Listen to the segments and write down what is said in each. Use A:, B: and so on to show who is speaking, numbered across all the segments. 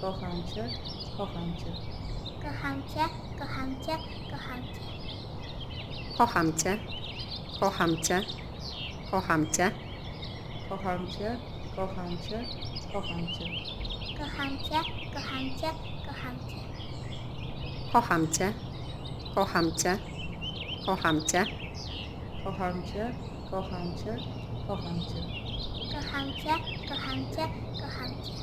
A: kocham cię, kocham cię.
B: kocham cię, kocham cię, kocham cię.
C: kocham cię, kocham cię, kocham cię,
A: Kocham cię, kocham cię, kocham cię.
B: Kocham cię, kocham cię, kocham cię.
C: kocham cię, kocham cię, kocham cię,
A: Kocham cię, kocham cię, kocham cię.
B: Kocham cię, kocham cię, kocham cię.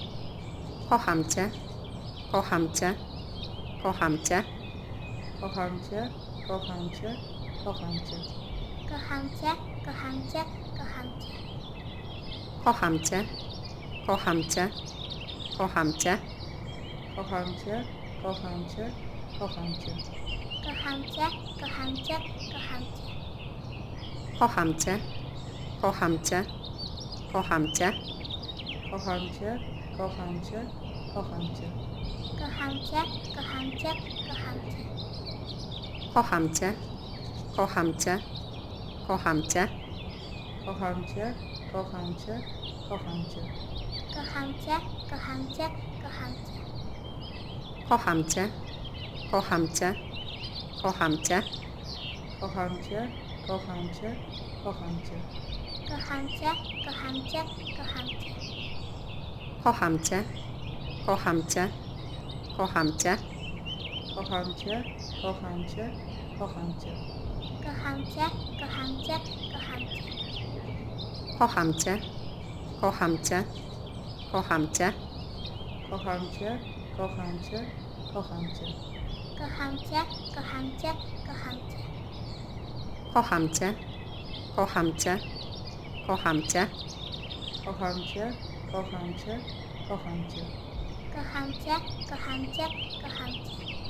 C: kocham cię, kocham cię, kocham cię,
A: Kocham cię, kocham cię, kocham cię.
B: Kocham cię, kocham cię, kocham cię.
C: kocham cię, kocham cię, kocham cię,
A: Kocham cię, kocham cię, kocham cię.
B: Kocham cię, kocham cię, kocham cię.
C: kocham cię, kocham cię, kocham cię,
A: Kocham cię, kocham cię, kocham cię.
B: Kocham cię, kocham cię, kocham cię.
C: kocham cię, kocham cię, kocham cię,
A: Kocham cię, kocham cię, kocham cię.
B: Kocham cię, kocham cię, kocham cię.
C: kocham cię, kocham cię, kocham cię,
A: Kocham cię, kocham cię, kocham cię.
B: Kocham cię, kocham cię, kocham cię.
C: kocham cię, kocham cię, kocham cię,
A: Kocham cię, kocham cię, kocham cię.
B: Kocham cię, kocham cię, kocham cię.
C: kocham cię, kocham cię, kocham cię,
A: Kocham cię, kocham cię, kocham cię.
B: Kocham cię, kocham cię, kocham cię.
C: kocham cię, kocham cię, kocham cię,
A: Kocham cię, kocham cię, kocham cię.
B: Kocham cię, kocham cię, kocham cię.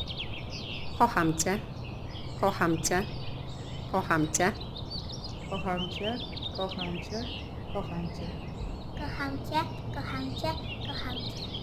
C: kocham cię, kocham cię, kocham cię,
A: Kocham cię, kocham cię, kocham cię.
B: Kocham cię, kocham cię, kocham cię.